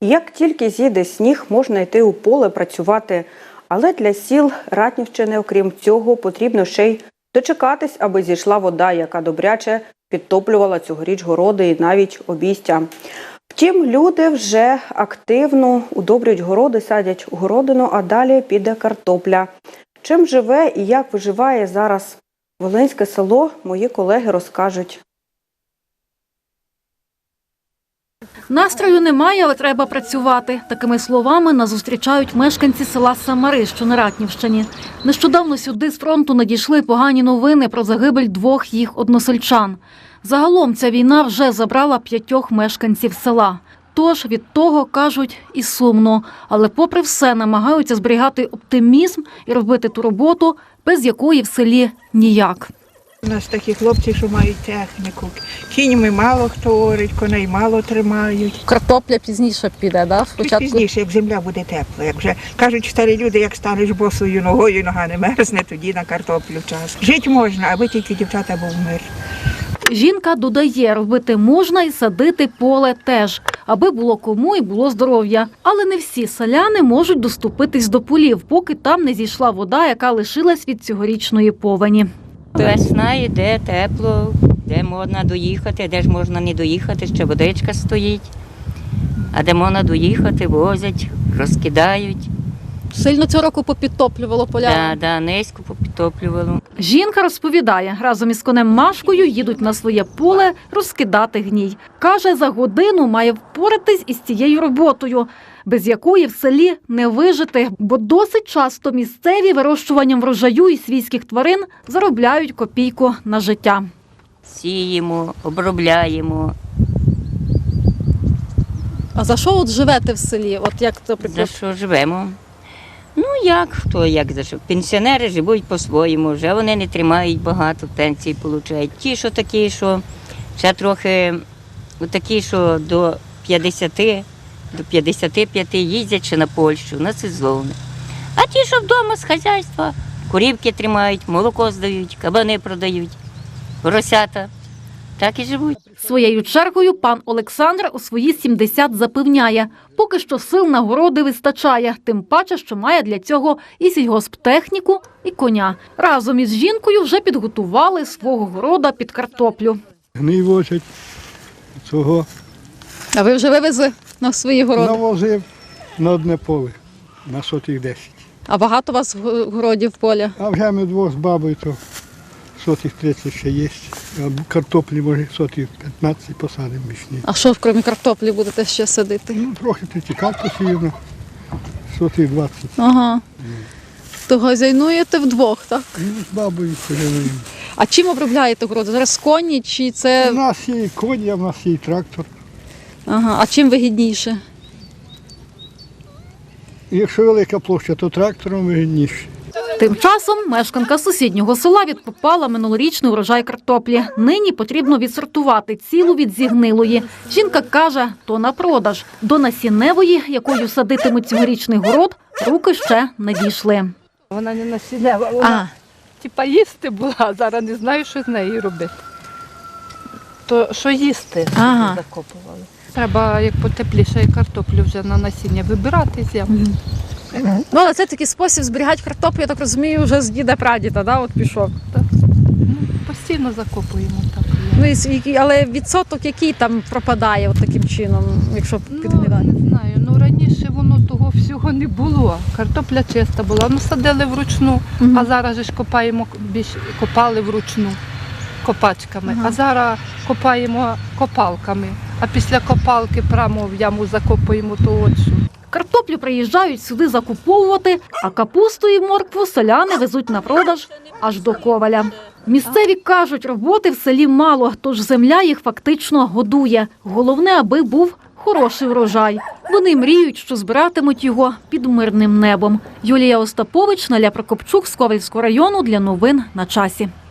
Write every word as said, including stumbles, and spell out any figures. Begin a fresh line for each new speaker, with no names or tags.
Як тільки зійде сніг, можна йти у поле працювати. Але для сіл Ратнівщини, окрім цього, потрібно ще й дочекатись, аби зійшла вода, яка добряче підтоплювала цьогоріч городи і навіть обійстя. Втім, люди вже активно удобрюють городи, садять городину, а далі піде картопля. Чим живе і як виживає зараз Волинське село, мої колеги розкажуть.
Настрою немає, але треба працювати. Такими словами нас зустрічають мешканці села Самари, що на Ратнівщині. Нещодавно сюди з фронту надійшли погані новини про загибель двох їх односельчан. Загалом ця війна вже забрала п'ятьох мешканців села. Тож від того, кажуть, і сумно. Але попри все намагаються зберігати оптимізм і робити ту роботу, без якої в селі ніяк.
У нас такі хлопці, що мають техніку. Кіньми мало хто орить, коней мало тримають.
Картопля пізніше піде, да?
Спочатку... Пізніше, як земля буде тепла. Як вже кажуть старі люди, як станеш босою ногою, нога не мерзне, тоді на картоплю час. Жити можна, аби тільки дівчата був мир.
Жінка додає, робити можна і садити поле теж, аби було кому і було здоров'я. Але не всі селяни можуть доступитись до полів, поки там не зійшла вода, яка лишилась від цьогорічної повені.
Весна йде, тепло, де можна доїхати, де ж можна не доїхати, ще водичка стоїть. А де можна доїхати, возять, розкидають.
Сильно цього року попідтоплювало поля?
Так, да, низько попідтоплювало.
Жінка розповідає, разом із конем Машкою їдуть на своє поле розкидати гній. Каже, за годину має впоратись із цією роботою, без якої в селі не вижити, бо досить часто місцеві вирощуванням врожаю і свійських тварин заробляють копійку на життя.
Сіємо, обробляємо.
А за що от живете в селі? От як,
наприклад... За що живемо? Ну як, хто як за що. Пенсіонери живуть по-своєму, вже вони не тримають багато, пенсії отримують. Ті, що такі, що ще трохи, такі, що до п'ятдесяти, до п'ятдесяти п'яти їздять ще на Польщу, на сезони. А ті, що вдома з хазяйства, курівки тримають, молоко здають, кабани продають, поросята. Так і живуть.
Своєю чергою пан Олександр у свої сімдесят запевняє, поки що сил на городи вистачає, тим паче, що має для цього і сільгосптехніку, і коня. Разом із жінкою вже підготували свого города під картоплю.
Гний возять цього.
А ви вже вивезли на свої городи?
Навозив на одне поле, на сотих десять.
А багато у вас городів поля?
А вже ми двох з бабою, то сотих тридцять ще є. А картоплі, може, сотих п'ятнадцять посадимо бічні.
А що, крім картоплі, будете ще садити?
Ну, трохи тритікав посіяно, сотих двадцять.
Ага. То газяйнуєте вдвох, так?
Ну, з бабою хазяйнуємо.
А чим обробляєте городи? Зараз коні чи це...
У нас є і коні, а в нас є і трактор.
Ага. А чим вигідніше?
Якщо велика площа, то трактором вигідніше.
Тим часом мешканка сусіднього села відкопала минулорічний урожай картоплі. Нині потрібно відсортувати цілу від зігнилої. Жінка каже, то на продаж. До насінневої, якою садитимуть цьогорічний город, руки ще не дійшли.
Вона не насіннева, вона типа їсти була, а зараз не знаю, що з нею робити. То що їсти
ага.
закопували. Треба, як потепліше, картоплю вже на насіння вибирати з ямки.
Ну, але це такий спосіб зберігати картоплю, я так розумію, вже з діда-прадіда, да, от пішов.
Так. Ну, постійно закопуємо так.
Ну, і, але відсоток який там пропадає от таким чином, якщо підглядати?
Ну, не знаю, ну раніше воно того всього не було. Картопля чиста була, ну садили вручну, угу. А зараз же ж копаємо, більш копали вручну копачками, угу. А зараз копаємо копалками, а після копалки прямо в яму закопуємо то от що.
Картоплю приїжджають сюди закуповувати, а капусту і моркву селяни везуть на продаж аж до Коваля. Місцеві кажуть, роботи в селі мало, тож земля їх фактично годує. Головне, аби був хороший врожай. Вони мріють, що збиратимуть його під мирним небом. Юлія Остапович, Наля Прокопчук з Ковальського району для новин на часі.